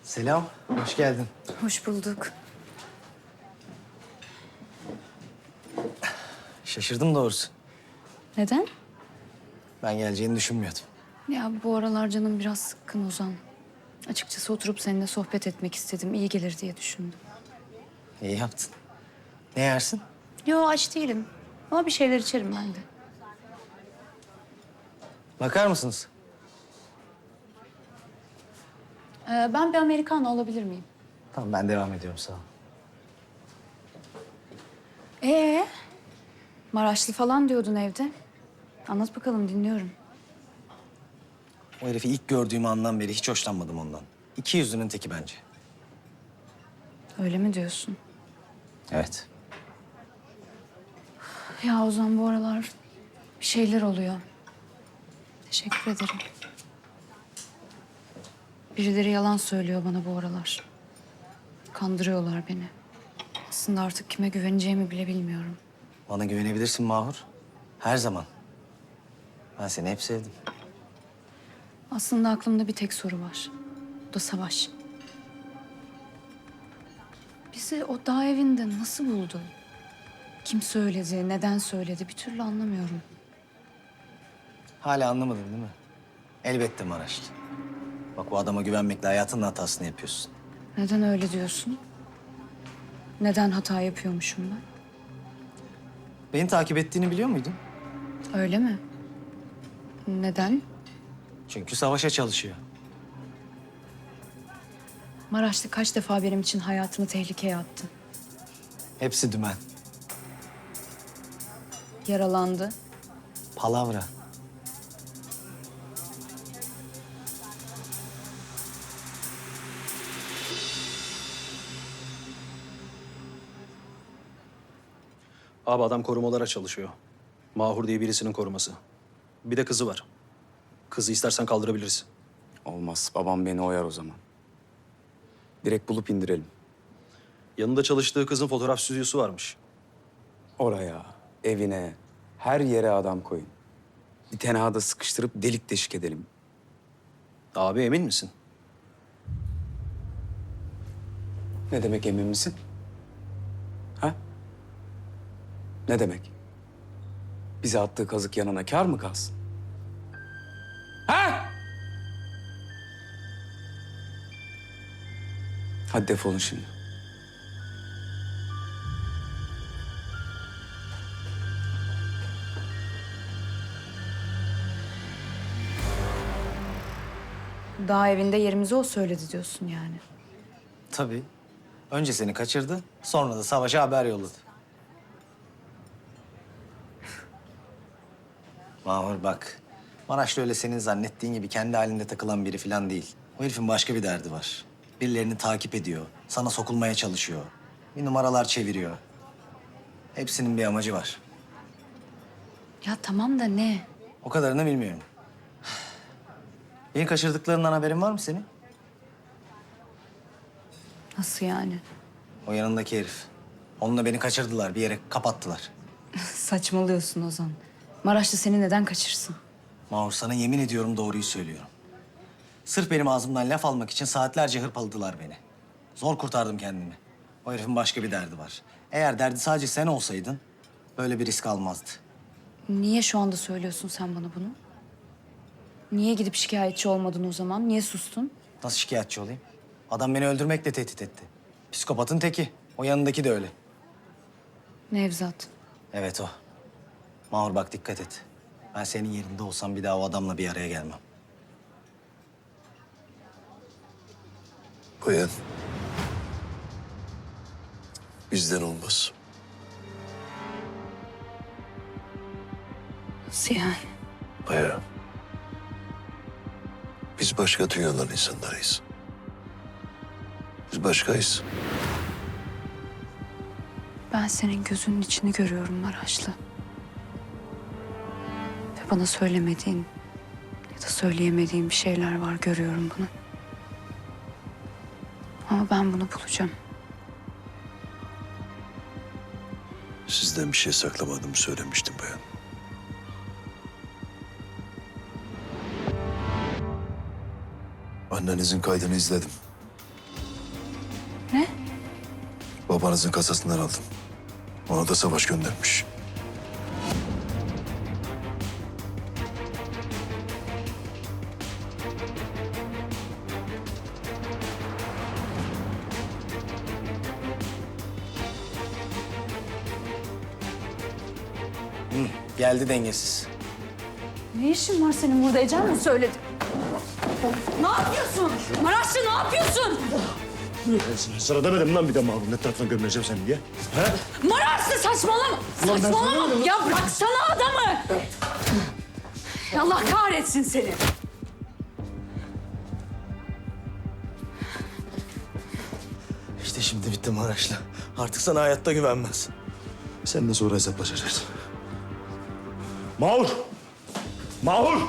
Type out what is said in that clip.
Selam, hoş geldin. Hoş bulduk. Şaşırdım doğrusu. Neden? Ben geleceğini düşünmüyordum. Ya bu aralar canım biraz sıkkın Ozan. Açıkçası oturup seninle sohbet etmek istedim. İyi gelir diye düşündüm. İyi yaptın. Ne yersin? Yo aç değilim. Ama bir şeyler içerim ben de. Bakar mısınız? Ben bir Americano alabilir miyim? Tamam, ben devam ediyorum, sağ ol. Ee, Maraşlı falan diyordun evde. Anlat bakalım dinliyorum. O herifi ilk gördüğüm andan beri hiç hoşlanmadım ondan. İki yüzlünün teki bence. Öyle mi diyorsun? Evet. Ya Ozan bu aralar bir şeyler oluyor. Teşekkür ederim. Birileri yalan söylüyor bana bu aralar. Kandırıyorlar beni. Aslında artık kime güveneceğimi bile bilmiyorum. Bana güvenebilirsin Mahur. Her zaman. Ben seni hep sevdim. Aslında aklımda bir tek soru var. O da Savaş. Bizi o dağ evinde nasıl buldu? Kim söyledi, neden söyledi bir türlü anlamıyorum. Hala anlamadın değil mi? Elbette Maraşlı. Bak, bu adama güvenmekle hayatının hatasını yapıyorsun. Neden öyle diyorsun? Neden hata yapıyormuşum ben? Beni takip ettiğini biliyor muydun? Öyle mi? Neden? Çünkü savaşa çalışıyor. Maraşlı kaç defa benim için hayatını tehlikeye attı. Hepsi dümen. Yaralandı. Palavra. Abi adam korumalara çalışıyor. Mahur diye birisinin koruması. Bir de kızı var. Kızı istersen kaldırabiliriz. Olmaz. Babam beni oyar o zaman. Direkt bulup indirelim. Yanında çalıştığı kızın fotoğraf stüdyosu varmış. Oraya, evine, her yere adam koyun. Bir tenhada sıkıştırıp delik deşik edelim. Abi emin misin? Ne demek emin misin? Ha? Ne demek? Bize attığı kazık yanına kâr mı kalsın? Ha? Hadi defolun şimdi. Dağ evinde yerimizi o söyledi diyorsun yani. Tabii. Önce seni kaçırdı, sonra da savaşa haber yolladı. Mahur bak, Maraşlı öyle senin zannettiğin gibi kendi halinde takılan biri falan değil. O herifin başka bir derdi var. Birilerini takip ediyor, sana sokulmaya çalışıyor. Bir numaralar çeviriyor. Hepsinin bir amacı var. Ya tamam da ne? O kadarını bilmiyorum. Beni kaçırdıklarından haberin var mı senin? Nasıl yani? O yanındaki herif. Onunla beni kaçırdılar, bir yere kapattılar. Saçmalıyorsun Ozan. Maraşlı seni neden kaçırsın? Mahur, sana yemin ediyorum doğruyu söylüyorum. Sırf benim ağzımdan laf almak için saatlerce hırpaladılar beni. Zor kurtardım kendimi. O herifin başka bir derdi var. Eğer derdi sadece sen olsaydın böyle bir risk almazdı. Niye şu anda söylüyorsun sen bana bunu? Niye gidip şikayetçi olmadın o zaman? Niye sustun? Nasıl şikayetçi olayım? Adam beni öldürmekle tehdit etti. Psikopatın teki. O yanındaki de öyle. Nevzat. Evet o. Mahur bak, dikkat et. Ben senin yerinde olsam bir daha o adamla bir araya gelmem. Bayan. Bizden olmaz. Nasıl yani? Bayan. Biz başka dünyaların insanlarıyız. Biz başkayız. Ben senin gözünün içini görüyorum Maraşlı. Ve bana söylemediğin ya da söyleyemediğin bir şeyler var, görüyorum bunu. Ama ben bunu bulacağım. Sizden bir şey saklamadığımı söylemiştim bayan. Annenizin kaydını izledim. babanızın kasasından aldım. Ona da Savaş göndermiş. Geldi dengesiz. Ne işin var senin burada? Ecem mi söyledi? Ne yapıyorsun? Maraşlı ne yapıyorsun? Sıra demedim lan bir de Mahur'un etrafına gömüleceğim seni diye. Maraşlı saçmalama! Saçmalama! Ya bıraksana adamı! Allah kahretsin seni! İşte şimdi bitti Maraşlı. Artık sana hayatta güvenmez. Seninle sonra hesaplaşacağız. Mahur! Mahur!